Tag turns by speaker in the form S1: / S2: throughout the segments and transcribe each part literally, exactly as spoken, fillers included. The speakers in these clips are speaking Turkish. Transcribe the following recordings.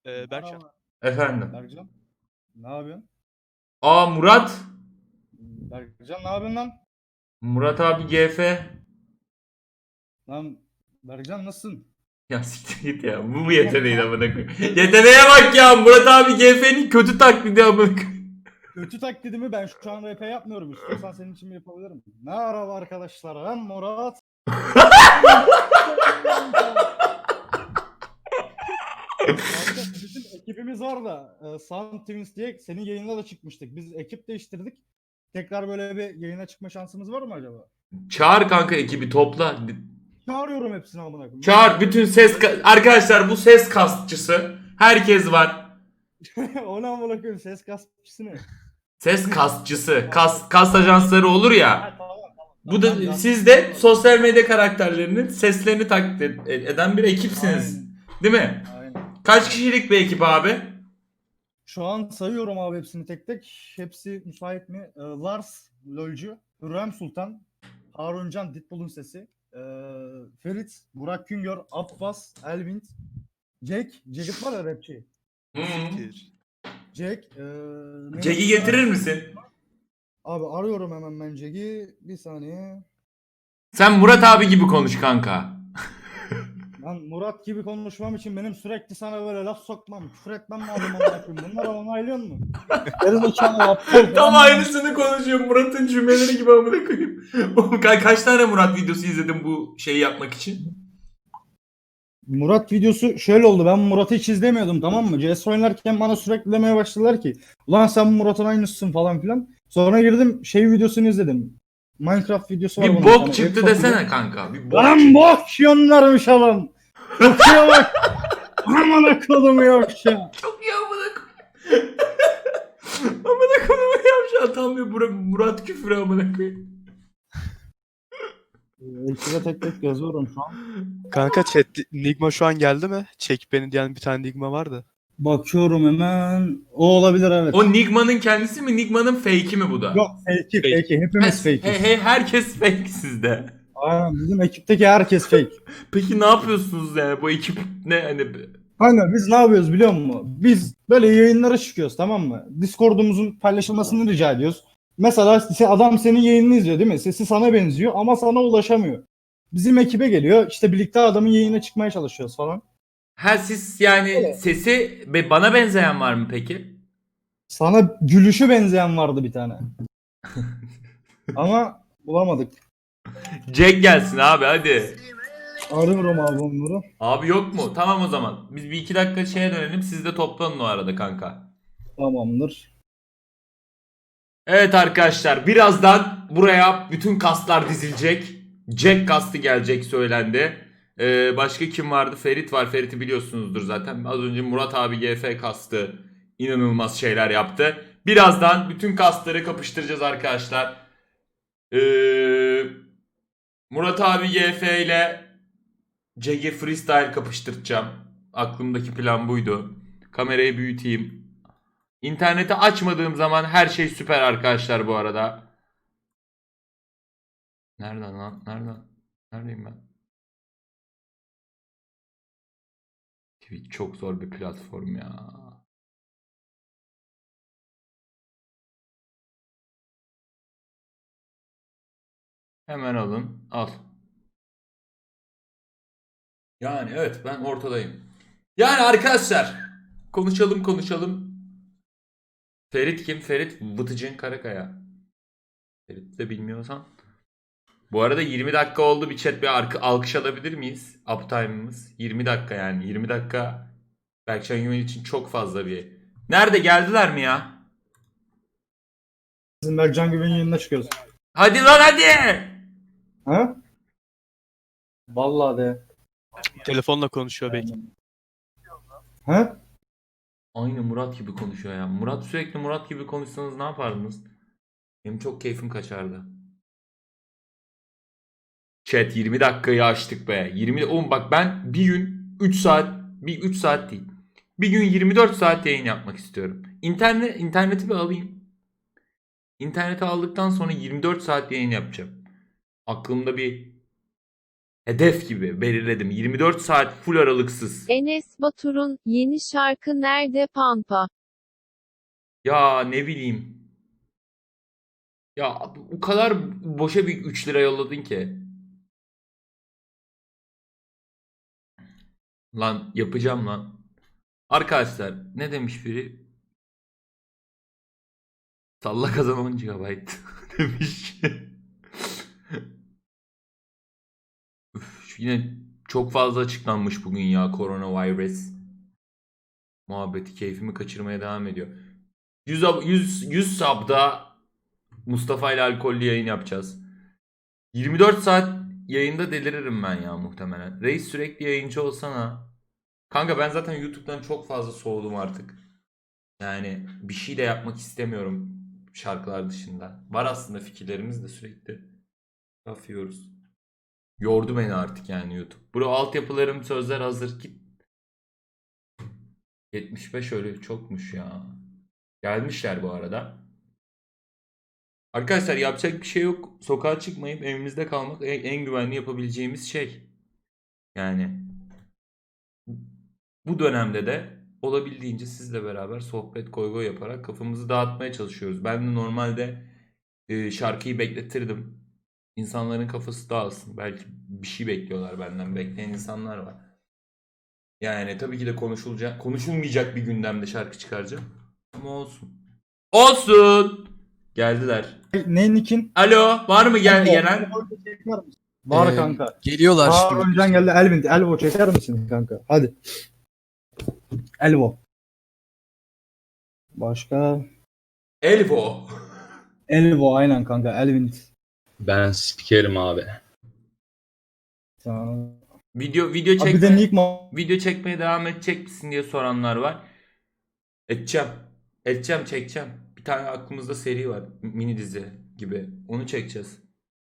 S1: Ee, Berkcan.
S2: Merhaba
S3: Efendim.
S2: Berkcan. Ne yapıyorsun?
S3: Aa Murat.
S2: Berkcan ne yapıyorsun lan?
S3: Murat abi G F.
S2: Lan Berkcan nasılsın?
S3: Ya siktir git ya. Bu mu yeteneğin amına koyayım? Yeteneğe bak ya. Murat abi G F'nin kötü taklidi amına koyayım.
S2: Kötü taklidimi ben şu an R P yapmıyorum. İstiyorsan senin için yapabilirim. Merhaba arkadaşlar. Ben Murat. Kanka, bizim ekibimiz var da e, Sound Twins diye senin yayında da çıkmıştık. Biz ekip değiştirdik. Tekrar böyle bir yayına çıkma şansımız var mı acaba?
S3: Çağır kanka ekibi topla.
S2: Çağırıyorum hepsini amına koyayım.
S3: Çağır bütün ses ka- arkadaşlar bu ses kastçısı. Herkes var.
S2: O ne amına koyayım, ses kasmışsın ne?
S3: Ses kastçısı. Kas kas ajansları olur ya.
S2: Ha, tamam, tamam,
S3: Bu
S2: tamam,
S3: da
S2: ben
S3: siz de sosyal medya karakterlerinin seslerini taklit ed- eden bir ekipsiniz.
S2: Aynen.
S3: Değil mi?
S2: Aynen.
S3: Kaç kişilik bir ekip abi?
S2: Şu an sayıyorum abi hepsini tek tek. Hepsi müsait mi? Ee, Lars, LoL'cu, Hürrem Sultan, Haruncan, Ditbull'un sesi, ee, Ferit, Burak Güngör, Abbas, Elvin, Jack, Jacket var ya rapçi.
S3: Hı -hı.
S1: Siktir.
S2: Jack, ee, neydi?
S3: Jack'i getirir misin?
S2: Abi arıyorum hemen ben Jack'i. Bir saniye.
S3: Sen Murat abi gibi konuş kanka.
S2: Ben Murat gibi konuşmam için benim sürekli sana böyle laf sokmam, küfür etmem lazım amına koyayım. Bunları onaylıyor musun? Gerizekalı aptal.
S3: Tam aynısını konuşuyor Murat'ın cümleleri gibi amına koyayım. Oğlum ka- kaç tane Murat videosu izledim bu şeyi yapmak için?
S2: Murat videosu şöyle oldu. Ben Murat'ı hiç izlemiyordum, tamam mı? C S oynarken bana sürekli demeye başladılar ki ulan sen Murat'ın aynısısın falan filan. Sonra girdim şey videosunu izledim. Minecraft videosu var.
S3: Bir
S2: bunun
S3: bok
S2: tane.
S3: çıktı
S2: Ev
S3: desene
S2: satıyor.
S3: kanka. Bir bok
S2: Lan
S3: çıktı.
S2: bok yonlarmış adam. Bakıyor bak. Amına kodum yok ya.
S3: Çok iyi amına koyayım. Amına koyayım yavşağı tam bir Murat, Murat küfürü amına koyayım.
S2: Ekibe tek tek yazıyorum şu an.
S1: Kanka chat Nigma şu an geldi mi? Çek beni diyen bir tane Nigma vardı.
S2: Bakıyorum hemen. O olabilir, evet.
S3: O Nigma'nın kendisi mi? Nigma'nın fake'i mi bu da?
S2: Yok fake'i
S1: Fake.
S2: fake'i. Hepimiz
S3: He,
S2: fake'iz.
S3: he, herkes fake sizde.
S2: Aynen, bizim ekipteki herkes fake.
S3: Peki ne yapıyorsunuz yani bu ekip ne hani
S2: Aynen, biz ne yapıyoruz biliyor musun? Biz böyle yayınlara çıkıyoruz, tamam mı? Discord'umuzun paylaşılmasını rica ediyoruz. Mesela se- adam senin yayınını izliyor değil mi? Sesi sana benziyor ama sana ulaşamıyor. Bizim ekibe geliyor, işte birlikte adamın yayına çıkmaya çalışıyoruz falan.
S3: ha siz yani
S2: Evet.
S3: sesi be- bana benzeyen var mı peki?
S2: Sana gülüşü benzeyen vardı bir tane. Ama bulamadık.
S3: Jack gelsin abi hadi.
S2: Arıyorum abi onları.
S3: Abi yok mu? Tamam o zaman. Biz bir iki dakika şeye dönelim. Siz de toplanın o arada kanka.
S2: Tamamdır.
S3: Evet arkadaşlar birazdan buraya bütün kaslar dizilecek. Jack kastı gelecek söylendi. Ee, başka kim vardı? Ferit var. Ferit'i biliyorsunuzdur zaten. Az önce Murat abi G F kastı. İnanılmaz şeyler yaptı. Birazdan bütün kasları kapıştıracağız arkadaşlar. Ee, Murat abi G F ile Jack'i freestyle kapıştıracağım. Aklımdaki plan buydu. Kamerayı büyüteyim. İnterneti açmadığım zaman her şey süper arkadaşlar bu arada. Nereden lan? Nereden? Neredeyim ben? Twitch çok zor bir platform ya. Hemen alın. Al. Yani evet ben ortadayım. Yani arkadaşlar konuşalım konuşalım. Ferit kim? Ferit Vıtıcın Karakaya. Ferit de bilmiyorsan. Bu arada yirmi dakika oldu, bir chat bir arka, alkış alabilir miyiz? Uptime'ımız yirmi dakika yani. yirmi dakika Berkcan Güven için çok fazla bir. Nerede geldiler mi ya?
S2: Bizim Berkcan Güven'in yanına çıkıyoruz.
S3: Hadi lan hadi.
S2: Ha? Vallahi de.
S1: Telefonla konuşuyor belki.
S2: Ha?
S3: Aynı Murat gibi konuşuyor ya. Murat sürekli Murat gibi konuşsanız ne yapardınız? Benim çok keyfim kaçardı. Chat yirmi dakikayı açtık be. yirmi oğlum bak ben bir gün üç saat bir üç saat değil. Bir gün yirmi dört saat yayın yapmak istiyorum. İnternet interneti bir alayım. İnterneti aldıktan sonra yirmi dört saat yayın yapacağım. Aklımda bir hedef gibi belirledim. yirmi dört saat full aralıksız.
S4: Enes Batur'un yeni şarkı Nerede Pampa?
S3: Ya ne bileyim. Ya o kadar boşa bir üç lira yolladın ki. Lan yapacağım lan. Arkadaşlar ne demiş biri? Salla kazan on gigabayt demiş. Üf, yine çok fazla açıklanmış bugün ya koronavirüs. Muhabbeti keyfimi kaçırmaya devam ediyor. yüz, yüz, yüz sabda Mustafa ile alkollü yayın yapacağız. yirmi dört saat yayında deliririm ben ya muhtemelen. Reis sürekli yayıncı olsana. Kanka ben zaten YouTube'dan çok fazla soğudum artık. Yani bir şey de yapmak istemiyorum şarkılar dışında. Var aslında fikirlerimiz de sürekli yapıyoruz. Yordu beni artık yani YouTube. Bro altyapılarım sözler hazır git. yetmiş beş öyle çokmuş ya. Gelmişler bu arada. Arkadaşlar yapacak bir şey yok. Sokağa çıkmayıp evimizde kalmak en, en güvenli yapabileceğimiz şey. Yani bu dönemde de olabildiğince sizle beraber sohbet goy goy yaparak kafamızı dağıtmaya çalışıyoruz. Ben de normalde e, şarkıyı bekletirdim. İnsanların kafası dağılsın. Belki bir şey bekliyorlar benden. Bekleyen insanlar var. Yani tabii ki de konuşulacak, konuşulmayacak bir gündemde şarkı çıkaracağım. Ama olsun. Olsun. Geldiler.
S2: Ne Nick'in?
S3: Alo, var mı gel gelen?
S2: Var
S1: Ee,
S2: kanka.
S1: Geliyorlar
S2: Aa,
S1: şimdi.
S2: önceden geldi Elvin. Elvo çeker misin kanka? Hadi. Elvo. Başka?
S3: Elvo.
S2: Elvo aynen kanka. Elvin.
S5: Ben spikerim abi.
S2: Tamam.
S3: Video video
S2: Abi bir de
S3: çekme,
S2: Nick ma-
S3: video çekmeye devam edecek misin diye soranlar var. Edeceğim. Edeceğim, çekeceğim. Bir tane aklımızda seri var. Mini dizi gibi. Onu çekeceğiz.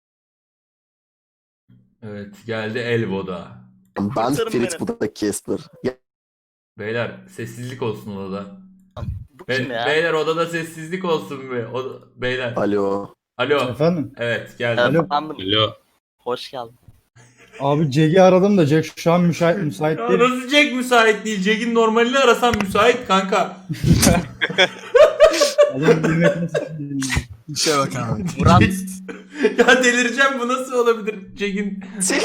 S3: Evet, geldi Elvo'da.
S6: Ben
S7: Kurtarın
S6: Ferit,
S7: beni.
S6: bu da Casper. Ya,
S3: Beyler sessizlik olsun odada.
S7: Bu
S3: Be-
S7: kim ya?
S3: beyler odada sessizlik olsun be. O- beyler.
S6: alo.
S3: Alo.
S2: Efendim?
S3: Evet, geldi.
S2: Alo.
S7: Efendim,
S5: Alo.
S7: hoş geldin.
S2: Abi Jack'i aradım da Jack şu an müsait, müsait
S3: Ya
S2: değil.
S3: nasıl Jack müsait değil? Jack'in normalini arasam müsait kanka.
S2: Adam bilmek nasıl?
S1: İşe bak abi.
S7: Murat,
S3: Ya delireceğim, bu nasıl olabilir? Jack'in...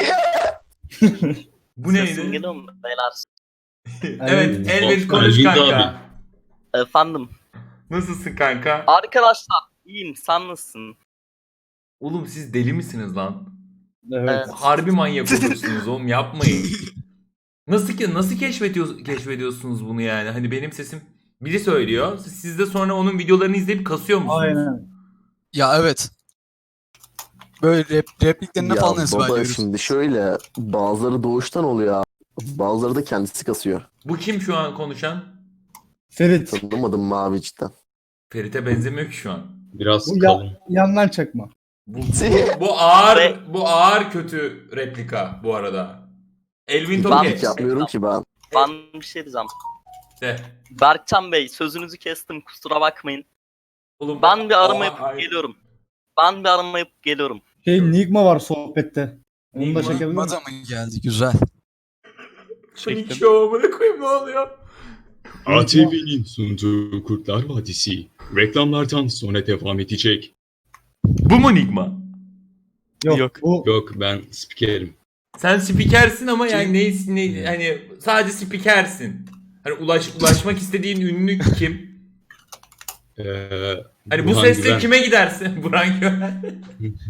S3: Bu
S7: sesim
S3: neydi?
S7: geliyor mu beyler?
S3: Evet, Elvin konuş
S5: Elvin
S3: kanka.
S5: abi.
S7: Efendim,
S3: Nasılsın kanka?
S7: arkadaşlar iyiyim, sen nasılsın?
S3: Oğlum siz deli misiniz lan?
S2: Evet.
S3: Harbi manyak olursunuz oğlum, yapmayın. Nasıl ki nasıl keşfediyor, keşfediyorsunuz bunu yani? Hani benim sesim biri söylüyor. Siz de sonra onun videolarını izleyip kasıyor musunuz?
S2: Aynen.
S1: Ya evet. Böyle rep, repliklerine
S6: Ya
S1: falan
S6: baba
S1: ezberliyoruz.
S6: şimdi şöyle, bazıları doğuştan oluyor abi. Bazıları da kendisi kasıyor.
S3: Bu kim şu an konuşan?
S2: Ferit.
S6: Tanımadım mı abi cidden?
S3: Ferit'e benzemiyor ki şu an.
S5: Biraz
S2: Bu
S5: kalın.
S2: ya, yandan çakma.
S3: Bu, bu, bu ağır bu ağır kötü replika bu arada. Elvin
S7: Ben-
S3: Toke.
S6: Hiç yapmıyorum ki ben.
S7: Ben bir şey diyeceğim.
S3: De.
S7: Berkcan Bey, sözünüzü kestim, kusura bakmayın.
S3: Oğlum,
S7: Ben bir arama
S3: Oha,
S7: yapıp
S3: ay-
S7: geliyorum. Ben bir arama yapıp geliyorum.
S2: Şey Nigma var sohbette. Onu
S3: Nigma?
S2: da çekebilir miyim?
S1: Mada mı geldi? Güzel.
S3: Çektim. Şovumunu koyayım, ne oluyor?
S5: A T V'nin sunduğu Kurtlar Vadisi reklamlardan sonra devam edecek.
S3: Bu mu Nigma?
S2: Yok.
S1: Yok.
S2: Bu
S5: Yok ben spikerim.
S3: Sen spikersin ama yani neysin ne, hani sadece spikersin. Hani ulaş, ulaşmak istediğin ünlü kim?
S5: Ee,
S3: Hani bu
S5: Burhan
S3: sesle
S5: Güven.
S3: kime gidersin? Burhan Güven.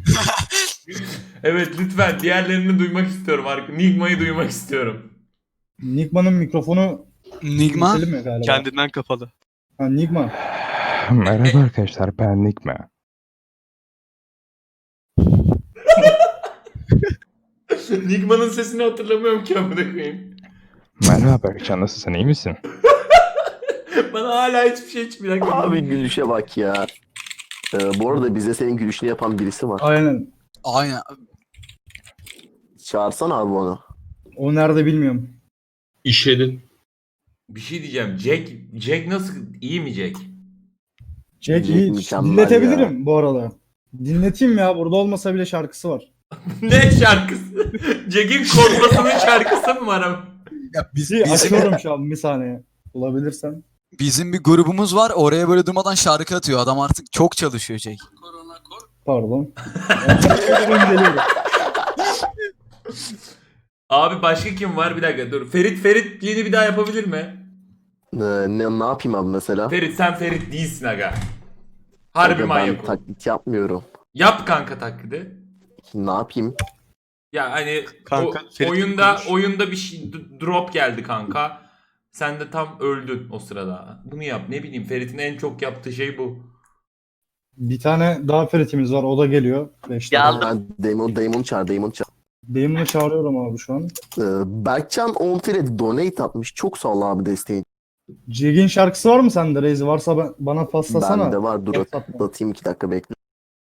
S3: Evet lütfen diğerlerini duymak istiyorum. Arka- Nigma'yı duymak istiyorum.
S2: Nigma'nın mikrofonu
S1: Nigma
S2: keselim mi galiba?
S1: kendinden kapalı.
S2: Ha, Nigma.
S8: Merhaba arkadaşlar, ben Nigma.
S3: Nigma'nın sesini hatırlamıyorum ki amına koyayım.
S8: Merhaba Berkcan, nasılsın, iyi misin?
S3: Bana hala hiçbir şey hiç bir dakika.
S6: Abi gülüşe bak ya. Ee, bu arada bize senin gülüşünü yapan birisi var.
S2: Aynen.
S1: Aynen.
S6: Çağırsana abi onu.
S2: O nerede bilmiyorum.
S5: İşedim.
S3: Bir şey diyeceğim. Jack Jack nasıl, iyi mi Jack?
S2: Jack
S6: Jack
S2: iyi.
S6: mükemmel
S2: Dinletebilirim bu arada. Dinleteyim ya. Burada olmasa bile şarkısı var.
S3: Ne şarkısı? Jack'in korkmasının şarkısı mı var ama?
S9: Ya biz,
S2: Bir
S9: bizim,
S2: açıyorum şu an bir saniye. Bulabilirsem.
S9: bizim bir grubumuz var. Oraya böyle durmadan şarkı atıyor. Adam artık çok çalışıyor Jack.
S2: Pardon. Ben geliyorum.
S3: Abi başka kim var? Bir dakika dur. Ferit Ferit yeni bir daha yapabilir mi?
S6: Ee, ne, ne yapayım abi mesela?
S3: Ferit sen Ferit değilsin aga. Harbi
S6: Aga,
S3: manyak
S6: ben
S3: ol.
S6: taklit yapmıyorum.
S3: Yap kanka taklidi.
S6: Ne yapayım?
S3: Ya hani
S1: Kanka,
S3: o-
S1: Ferit
S3: oyunda
S1: konuş.
S3: oyunda bir şey d- drop geldi kanka. Sen de tam öldün o sırada. Bunu yap. Ne bileyim Ferit'in en çok yaptığı şey bu.
S2: Bir tane daha Ferit'imiz var. O da geliyor. Beşte.
S7: Geldim.
S6: Ben Damon, Damon çağır, Damon çağır.
S2: Damon'u çağırıyorum abi şu an.
S6: Ee, Berkcan on Fred donate atmış. Çok sağ ol abi desteğin.
S2: Jack'in şarkısı var mı sende Reis? Varsa ben, bana paslasana.
S6: Bende var. Dur
S2: WhatsApp'tan.
S6: atayım iki dakika bekle.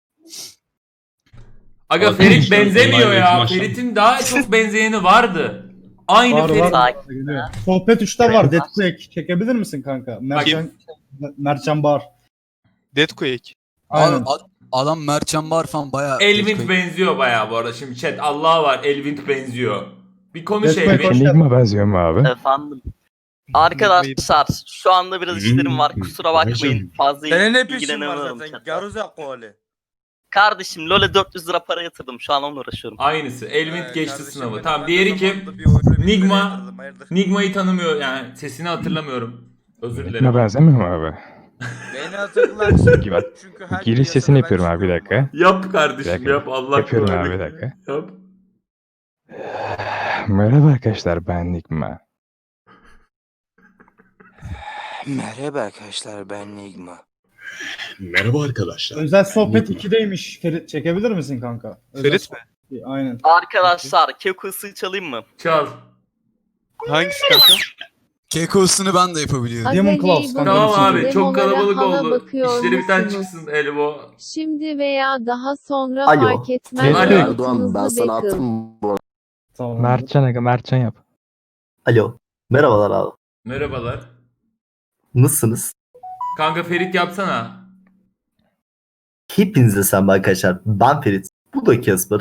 S3: Aga
S5: Abi,
S3: Ferit
S5: şu an
S3: benzemiyor
S5: olay
S3: ya.
S5: başladı.
S3: Ferit'in daha çok benzeyeni vardı. Aynı
S2: Var
S3: Ferit.
S2: var.
S7: Sakin.
S2: Geliyor. Sohbet üçte var. Deadquake. Çekebilir misin kanka? Mertcan, Mertcan Bar.
S1: Deadquake.
S2: Aynen.
S9: Abi, ad- adam Mertcan Bar falan bayağı...
S3: Elvin benziyor bayağı bu arada. Şimdi chat Allah var. Elvin benziyor. Bir konuş
S2: Deathquake
S3: Elvin.
S2: hoş-
S8: Enigma benziyor mu abi?
S7: Efendim. Arkadaşlar şu anda biraz işlerim var.
S5: Hmm,
S7: Kusura bakmayın.
S5: hocam.
S7: Fazla
S10: Senin ne peşin var
S7: ilgilenemiyorum
S10: zaten?
S7: chatle.
S10: Garuza koli.
S7: Kardeşim LoL'e dört yüz lira para yatırdım. Şu an onunla uğraşıyorum.
S3: Aynı Elvin
S10: Ee,
S3: geçti
S10: kardeşim
S3: sınavı.
S10: benim
S3: Tamam
S10: ben
S3: diğeri
S10: de
S3: kim?
S10: zamanında bir oyunu bir
S3: Nigma.
S10: liraya yatırdım, hayırdır?
S3: Nigma'yı tanımıyor yani sesini hatırlamıyorum. Özür
S8: Enigma
S3: dilerim.
S8: benzemiyor mu abi?
S10: Beni hatırlarsın.
S8: Peki ben
S10: Çünkü her
S8: giriş
S10: gün
S8: sesini
S10: yasada ben
S8: yapıyorum abi bir
S10: çıkıyorum
S8: dakika.
S3: Yap kardeşim
S8: Bir dakika.
S3: yap Allah
S8: Yapıyorum
S3: korusun.
S8: abi, bir dakika.
S3: Yap.
S8: Merhaba arkadaşlar, ben Enigma.
S10: Merhaba arkadaşlar, ben Nigma.
S5: Merhaba arkadaşlar.
S2: Özel sohbet
S5: Nigma.
S2: ikideymiş. Ferit çekebilir misin kanka? Özel
S1: Ferit mi?
S2: sohbet- Aynen.
S7: Arkadaşlar Keku'su çalayım mı?
S3: Çal.
S1: Hangisi kanka?
S9: Keko'sunu ben de yapabiliyorum.
S2: Demon
S4: Aga
S2: Claws
S4: Game
S2: kanka.
S3: Tamam
S2: Demonlara
S3: abi çok kalabalık
S4: hala
S3: oldu.
S4: bakıyor
S3: İşleri bir tane
S4: musunuz?
S3: çıksın Elbo.
S4: Şimdi veya daha sonra
S6: Alo.
S4: fark etmez.
S3: Alo.
S6: Erdoğan ben sana
S4: Bakın.
S6: attım bu arada.
S2: Tamam.
S8: Mertcan aga, Mertcan yap.
S6: Alo. Merhabalar abi.
S3: Merhabalar.
S6: Nasılsınız?
S3: Kanka Ferit yapsana.
S6: Hepinize selam arkadaşlar. Ben Ferit. Bu da Casper.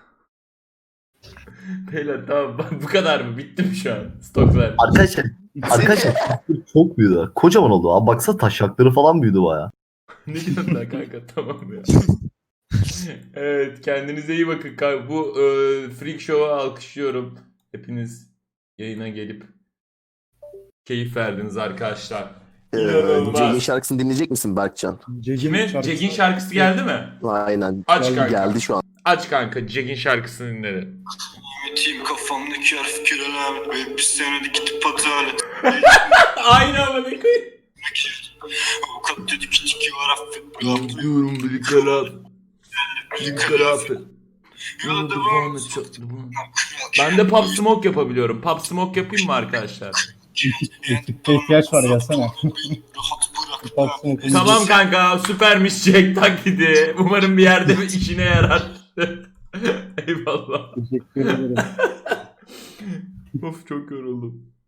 S3: Beyler tamam bu kadar mı? Bitti mi şu an? Stoklar.
S6: Arkadaşlar, arkadaşlar çok büyüdü. Kocaman oldu abi. Baksana taşakları falan büyüdü baya.
S3: Ne diyorsun lan kanka tamam ya. Evet kendinize iyi bakın kanka. Bu e, Freak Show'a alkışlıyorum. Hepiniz yayına gelip keyif verdiniz arkadaşlar.
S6: Ee,
S3: İnanılmaz.
S6: Jack'in şarkısını dinleyecek misin Berkcan?
S2: Jack'in
S3: Kimin?
S2: şarkısı
S3: Jack'in
S2: var.
S3: şarkısı geldi mi?
S6: Aynen.
S3: Aç kanka.
S6: Geldi şu an.
S3: Aç kanka Jack'in şarkısını dinle.
S11: Team kafamdaki harf kiralamet ve bir senede gidip adalet.
S3: Aynı ama ne koyayım.
S11: Avukat dedi ki tiki var affet.
S3: Diyorum bir kalat. Bir kalat.
S11: Yola devam et.
S3: Ben de Pop Smoke yapabiliyorum. Pop Smoke yapayım mı arkadaşlar?
S2: Ekipte ihtiyaç var gelsene.
S11: Rahat bırak.
S2: Baksana.
S3: Tamam kanka süpermiş Jack taklidi. Umarım bir yerde bir işine yarar. Eyvallah.
S2: Teşekkür ederim.
S3: Of çok yoruldum.